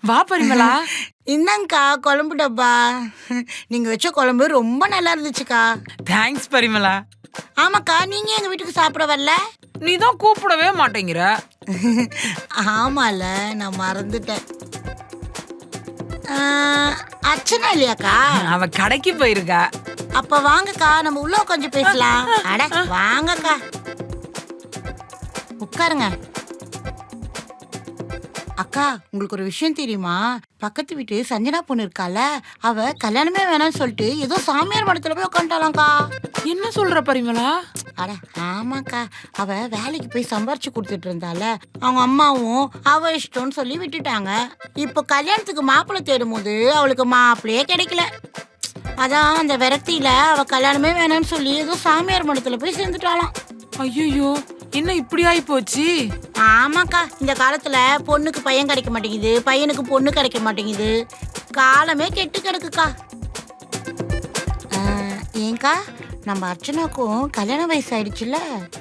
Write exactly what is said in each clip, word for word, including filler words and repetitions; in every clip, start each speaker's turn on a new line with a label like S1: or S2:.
S1: வா பரிமளா.
S2: இந்தாங்கக்கா குழம்பு டப்பா. நீங்க வச்ச குழம்பு ரொம்ப நல்லா இருந்துச்சுக்கா.
S1: தேங்க்ஸ் பரிமளா.
S2: ஆமாக்கா, நீங்க எங்க வீட்டுக்கு சாப்பிட வரல?
S1: நீ தான் கூப்பிடவே மாட்டேங்கிற.
S2: ஆமால, நான் மறந்துட்டேன். ஆ, அர்ச்சனா இல்லையாக்கா?
S1: அவ கடைக்கு போயிருக்கா.
S2: அப்ப வாங்கக்கா, நம்ம உள்ள கொஞ்சம் பேசலாம். அட வாங்கக்கா, உட்காருங்க. அக்கா, உங்களுக்கு ஒரு விஷயம் தெரியுமா? பக்கத்து வீட்டு சஞ்சனா பொண்ணு இருக்கால, அவ கல்யாணமே வேணாம்னு சொல்லிட்டு ஏதோ சாமியார் மடத்துல போய் உட்காந்துட்டாளாம்க்கா.
S1: என்ன சொல்ற பரிமளா?
S2: அட ஆமாக்கா, அவ வேலைக்கு போய் சம்பாரிச்சு கொடுத்துட்டு இருந்தால, அவங்க அம்மாவும் அவ இஷ்டம்னு சொல்லி விட்டுட்டாங்க. இப்போ கல்யாணத்துக்கு மாப்பிள்ளை தேடும் போது அவளுக்கு மாப்பிள்ளையே கிடைக்கல. அதான் அந்த விரக்தியில அவ கல்யாணமே வேணாம்னு சொல்லி ஏதோ சாமியார் மடத்துல போய் சேர்ந்துட்டாளாம்.
S1: ஐயோ, என்ன இப்படி ஆயி போச்சு?
S2: ஆமாக்கா, இந்த காலத்துல பொண்ணுக்கு பையன் கிடைக்க மாட்டேங்குது, பையனுக்கு பொண்ணு கிடைக்க மாட்டேங்குது. காலமே கெட்டு கிடக்குக்கா. ஏங்கா, நம்ம அர்ச்சனாக்கும் கல்யாண வயசு ஆயிடுச்சுல்ல.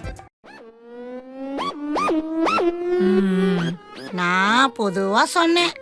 S2: நான் பொதுவா சொன்னேன்.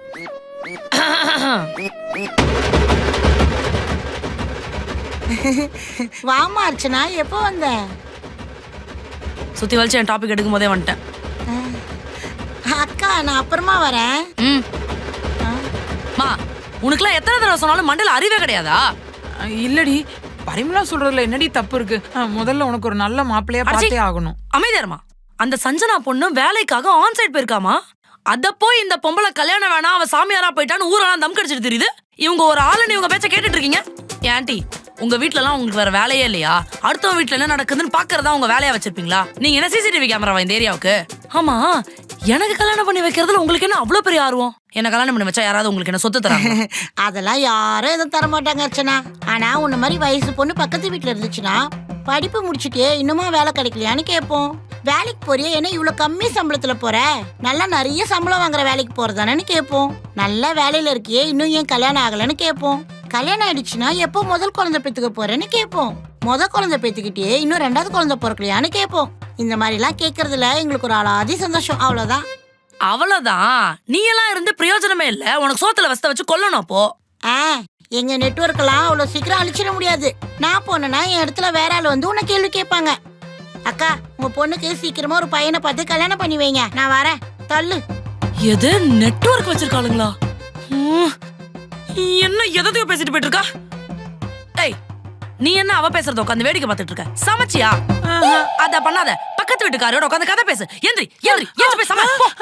S2: வாமா அர்ச்சனா, எப்போ வந்த?
S3: சுத்தி வலிச்சு என் டாபிக் எடுக்கும் போதே வந்துட்டேன்.
S2: அக்கா, நான் அப்புறமா வரேன்.
S3: ம் மா, உனக்குலாம் எத்தனை தடவை சொன்னாலும் மண்டையில அறிவே கிடையாதா?
S1: இல்லடி, பரிமளா சொல்றதுல என்னடி தப்பு இருக்கு? முதல்ல உனக்கு ஒரு நல்ல மாப்பிள்ளையா பார்த்தே ஆகணும்.
S3: அமைதியாரமா. அந்த சஞ்சனா பொண்ணு வேலைக்காக ஆன் சைட் போயிருக்காமா. அத போய் இந்த பொம்பளை கல்யாணம் வேணா, அவ சாமியாரா போயிட்டான்னு ஊரெல்லாம் தம் கடிச்சிட்டு தெரியுது. இவங்க ஒரு ஆளுன்னு இவங்க பேச்ச கேட்டுட்டு இருக்கீங்க. ஆண்டி, உங்க வீட்ல எல்லாம் உங்களுக்கு வேற வேலையே இல்லையா? அடுத்தவங்க வீட்ல என்ன நடக்குதுன்னு பாக்குறதா உங்க வேலையா வச்சிருப்பீங்களா? நீங்க என்ன சிசிடிவி கேமராவா இந்த ஏரியாவுக்கு? ஆமா, எனக்கு கல்யாணம் பண்ணி வைக்கிறதுல உங்களுக்கு என்ன அவ்வளவு பெரிய ஆர்வம்? என்ன கல்யாணம் பண்ணி வச்சா யாராவது உங்களுக்கு என்ன சொத்து தராங்க?
S2: அதெல்லாம் யாரும் எதுவும் தர மாட்டாங்க அர்ச்சனா. ஆனா உன்ன மாதிரி வயசு பொண்ணு பக்கத்து வீட்டுல இருந்துச்சுன்னா, படிப்பு முடிச்சுட்டே இன்னுமா வேலை கிடைக்கலையான்னு கேட்போம். வேலைக்கு போறியா, என்ன இவ்வளவு கம்மி சம்பளத்துல போற? நல்லா நிறைய சம்பளம் வாங்குற வேலைக்கு போறதானு கேட்போம். நல்ல வேலையில இருக்கியே, இன்னும் ஏன் கல்யாணம் ஆகலன்னு கேட்போம். கல்யாணம் ஆயிடுச்சுன்னா எப்போ முதல் குழந்தை பெத்துக்க போறேன்னு கேட்போம். முத குழந்தை பெத்துக்கிட்டே இன்னும் ரெண்டாவது குழந்தை பிறக்கலையான்னு கேட்போம். இந்த மாதிரி எல்லாம் கேட்கறதுல எங்களுக்கு ஒரு அலாதி சந்தோஷம். அவ்வளவுதான்.
S3: அவ்வளவுதான். நீ எல்லாம் இருந்து பிரயோஜனமே இல்ல. உனக்கு சோத்துல வசத்த வச்சு கொல்லணும். அப்போ
S2: ஆ, எங்க நெட்வொர்க் எல்லாம் அவ்வளவு சீக்கிரம் அழிச்சிட முடியாது. நான் போனேன்னா என் இடத்துல வேற ஆள் வந்து உன்னை கேள்வி கேட்பாங்க. அக்கா, உங்க பொண்ணுக்கு சீக்கிரமா ஒரு பையனை பார்த்து கல்யாணம் பண்ணி வைங்க. நான் வரேன். தள்ளு.
S3: எது நெட்வொர்க் வச்சிருக்காளுங்களா? என்ன எதையோ பேசிட்டு போயிட்டு இருக்கா? டேய், நீ என்ன அவ பேசுறத உட்காந்து வேடிக்கை பார்த்துட்டு இருக்க? சமைச்சியா? அத பண்ணாத. பக்கத்து வீட்டுக்காரோட உட்காந்து கதை பேசு. எந்திரி எந்திரி எந்திரி போய் சமை.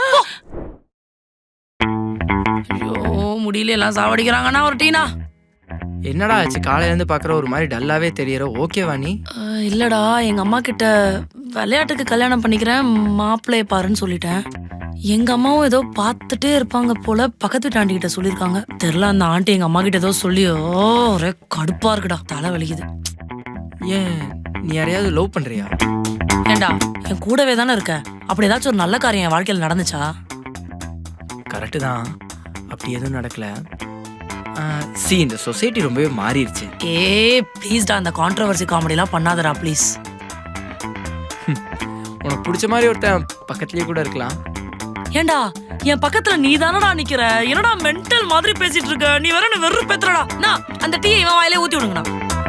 S3: ஐயோ, முடியல, எல்லாம் சாவடிக்கிறாங்கன்னா ஒரு டீனா.
S4: என்னடா ஆச்சு? காலையில இருந்து பாக்குற ஒரு மாதிரி டல்லாவே தெரியற. ஓகேவா நீ?
S3: இல்லடா, எங்க அம்மா கிட்ட விளையாட்டுக்கு கல்யாணம் பண்ணிக்கிறேன், மாப்பிள்ளைய பாருன்னு சொல்லிட்டேன். எங்க அம்மாவும் ஏதோ பார்த்துட்டே இருப்பாங்க போல, பக்கத்து வீட்டு ஆண்டி கிட்ட சொல்லியிருக்காங்க. தெரியல, அந்த ஆண்டி எங்க அம்மா கிட்ட ஏதோ சொல்லியோ ஒரே கடுப்பா இருக்குடா, தலை வலிக்குது.
S4: ஏன், நீ யாரையாவது லவ் பண்றியா?
S3: ஏண்டா, என் கூடவே தானே இருக்க. அப்படி ஏதாச்சும் ஒரு நல்ல காரியம் என் வாழ்க்கையில் நடந்துச்சா?
S4: கரெக்டு தான், அப்படி எதுவும் நடக்கல. சி, இந்த சொசைட்டி ரொம்பவே மாறிடுச்சு.
S3: ஏ ப்ளீஸ்டா, அந்த கான்ட்ரவர்சி காமெடிலாம் பண்ணாதடா ப்ளீஸ்.
S4: உனக்கு பிடிச்ச மாதிரி ஒருத்தன் பக்கத்துலயே கூட இருக்கலாம்.
S3: ஏண்டா, என் பக்கத்துல நீ தானடா நிக்கிற. என்னடா மென்டல் மாதிரி பேசிட்டு இருக்க? நீ வேற என்ன வெறு பேத்துறடா. நான் அந்த டீயை இவன் வாயிலே ஊத்தி விடுங்கடா.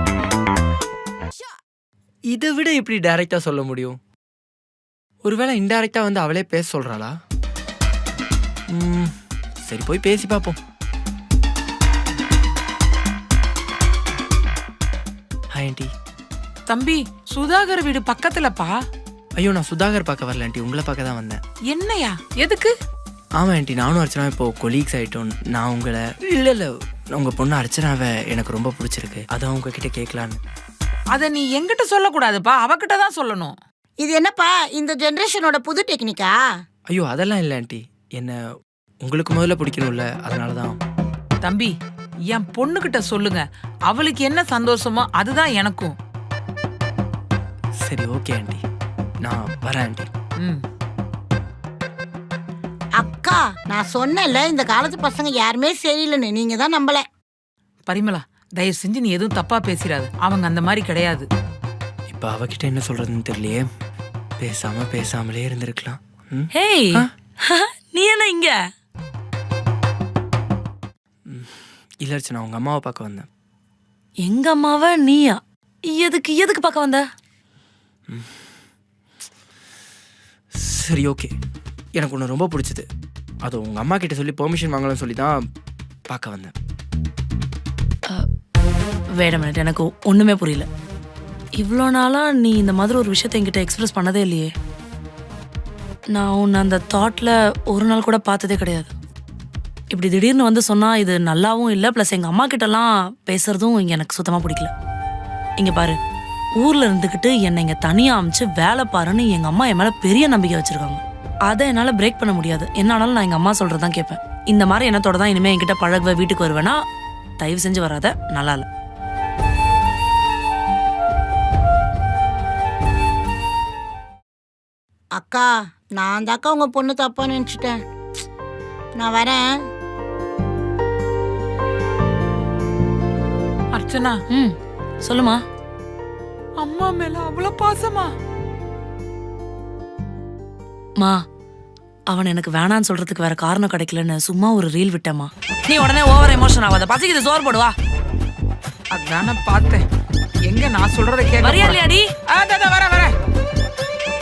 S4: இதை விட எப்படி டைரக்டா சொல்ல முடியும்? ஒருவேளை இன்டைரக்டா வந்து அவளே பேச சொல்றாளா? ம், சரி, போய் பேசி பார்ப்போம். Hi aunty.
S1: தம்பி, சுதாகர் வீடு பக்கத்துலப்பா.
S4: ஐயோ, நான் சுதாகர் பார்க்க வரல ஆண்டி, உங்களை பார்க்க தான் வந்தேன்.
S1: என்னையா? எதுக்கு?
S4: ஆமா ஆண்டி, நானும் அர்ச்சனா இப்போ கொலீக்ஸ் ஆயிட்டோம். நான் உங்களை இல்ல இல்ல உங்க பொண்ணு அர்ச்சனாவை எனக்கு ரொம்ப பிடிச்சிருக்கு, அதான் உங்ககிட்ட கேட்கலான்னு.
S1: அத நீ என்கிட்ட சொல்லக்கூடாதுப்பா, அவகிட்ட தான் சொல்லணும்.
S2: இது என்னப்பா இந்த ஜெனரேஷனோட புது டெக்னிக்கா?
S4: ஐயோ, அதெல்லாம் இல்லை ஆண்டி, என்ன உங்களுக்கு முதல்ல பிடிக்கணும்ல, அதனாலதான்.
S1: தம்பி, என் பொண்ணுகிட்ட சொல்லுங்க, அவளுக்கு என்ன சந்தோஷமோ அதுதான் எனக்கும்.
S4: சரி, ஓகே ஆண்டி, நான் வரேன் ஆண்டி.
S1: ம்.
S2: அக்கா, நான் சொன்னேன்ல இந்த காலத்து பசங்க யாருமே சரியில்லைன்னு, நீங்க தான் நம்பல.
S1: பரிமளா, தயவு செஞ்சு நீ எதுவும் தப்பா பேசிடாது. அவங்க அந்த மாதிரி கிடையாது.
S4: இப்ப அவகிட்ட என்ன சொல்றதுன்னு தெரியலையே. பேசாம பேசாமலே இருந்திருக்கலாம்.
S3: ஹேய், நீ என்ன இங்க?
S4: இல்லை அர்ச்சனா, உங்கள் அம்மாவை பார்க்க வந்தேன்.
S3: எங்க அம்மாவ நீயா? எதுக்கு எதுக்கு பார்க்க வந்த?
S4: சரி, ஓகே. எனக்கு ஒன்று ரொம்ப பிடிச்சது. அது உங்கள் அம்மா கிட்ட சொல்லி பெர்மிஷன் வாங்கலாம்னு சொல்லி தான் பார்க்க வந்தேன்.
S3: வேட மினிட், எனக்கு ஒண்ணுமே புரியல. இவ்வளோ நாளா நீ இந்த மாதிரி ஒரு விஷயத்தை என்கிட்ட எக்ஸ்பிரஸ் பண்ணதே இல்லையே. நான் உன்னை அந்த தாட்ல ஒரு நாள் கூட பார்த்ததே கிடையாது. இப்படி திடீர்னு வந்து சொன்னா இது நல்லாவும் இல்லை. ப்ளஸ் எங்க அம்மா கிட்டலாம் பேசுறதும் இங்க எனக்கு சுத்தமா பிடிக்கல. இங்க பாரு, ஊர்ல இருந்துக்கிட்டு என்னை இங்க தனியா அமைச்சு வேலை பாருன்னு எங்க அம்மா என் மேல பெரிய நம்பிக்கை வச்சிருக்காங்க. அதை என்னால பிரேக் பண்ண முடியாது. என்ன ஆனாலும் நான் எங்க அம்மா சொல்றதான் கேட்பேன். இந்த மாதிரி எண்ணத்தோட தான் இனிமே என்கிட்ட பழகுவ, வீட்டுக்கு வருவேன்னா தயவு செஞ்சு வராத, நல்லா இல்லை.
S2: அக்கா, நான் தாக்கா உங்க பொண்ணு தப்பா நினைச்சிட்டேன். நான் வரேன்.
S1: அர்ச்சனா,
S3: ம் சொல்லுமா.
S1: அம்மா மேல அவ்வளவு பாசமா?
S3: மா, அவன் எனக்கு வேணான்னு சொல்றதுக்கு வேற காரணம் கிடைக்கலன்னு சும்மா ஒரு ரீல் விட்டேம்மா. நீ உடனே ஓவர் எமோஷன் ஆகாத. பசிக்குது, சோறு போடுவா.
S1: அதான பார்த்தேன். எங்க நான் சொல்றத கேட்க
S3: வரியா இல்லையாடி?
S1: வரேன் வரேன்